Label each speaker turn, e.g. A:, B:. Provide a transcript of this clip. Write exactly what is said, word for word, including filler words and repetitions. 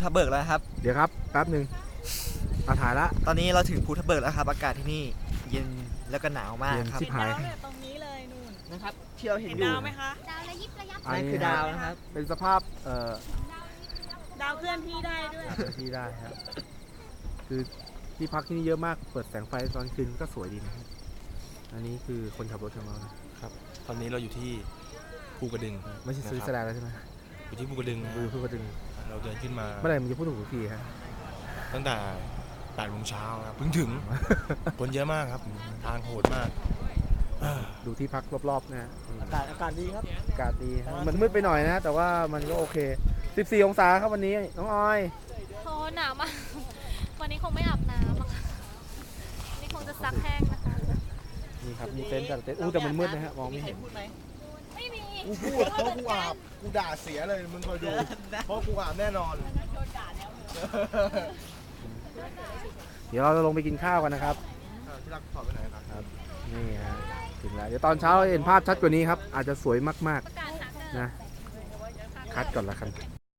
A: ทับเบิกแล้วครับ
B: เดี๋ยวครับแป๊บหนึ่งมาถ่ายละ
A: ตอนนี้เราถึงภูทับเบิกแล้วครับอากาศที่นี่เย็นแล้วก็หนาวมากครับ
B: เย็นชิบหาย
C: ดาวเนี่ยตรงนี้เลยนู่น
A: นะครับที่เราเห็น
C: เห็น
A: อยู่
C: ดาวไหมคะ
D: ดาวระยิบระยับ
A: นั่นคือดาวนะครับ
B: เป็นสภาพเอ่อ
C: ดาวเคลื่อนที่ได้ด้วย
B: ที่ได้ครับคือที่พักที่นี่เยอะมากเปิดแสงไฟตอนคืนก็สวยดีนะครับอันนี้คือคนขับรถของเรานะครับ
E: ตอนนี้เราอยู่ที่ภูกระดึง
B: ไม่ใช่สวิตเซอร์แลนด์แล้วใช่ไหม
E: อยู่ที่ภูกระดึงนะ
B: ดูพูดกระดึง
E: เราเดินขึ้นมา
B: เมื่อไหร่มึงจะพูดถูกทีฮะ
E: ตั้งแต่แปดโมงเช้าครับเพิ่งถึง คนเยอะมากครับทางโหดมาก
B: ดูที่พักรอบๆนะฮะ
A: อากาศอากาศดีครับ
B: อากาศดีฮะมันมืดไปหน่อยนะแต่ว่ามันก็โอเคสิบสี่องศาครับวันนี้น้องออย
D: โหหนาวมากวันนี้คงไม่อาบน้ำอะค่ะวันนี้คงจะซักแห้งนะคะ
B: นี่ครับมีเต็นท์แต่เต็นท์อู้แต่มันมืดนะฮะมองไม่เห็น
D: ไม่มี
F: กูพูดเพราะกูอาบกูด่าเสียเลยมึงคอยดูเพราะกูอาบแน่นอน
B: เดี๋ยวเราจะลงไปกินข้าวกันนะครับ
F: ที่รักถอดไปไหนครับ
B: ครับนี่ฮะถึงแล้วเดี๋ยวตอนเช้าเห็นภาพชัดกว่านี้ครับอาจจะสวยมาก
D: ประกาศหาเกิด
B: ๆนะคัดก่อนละกัน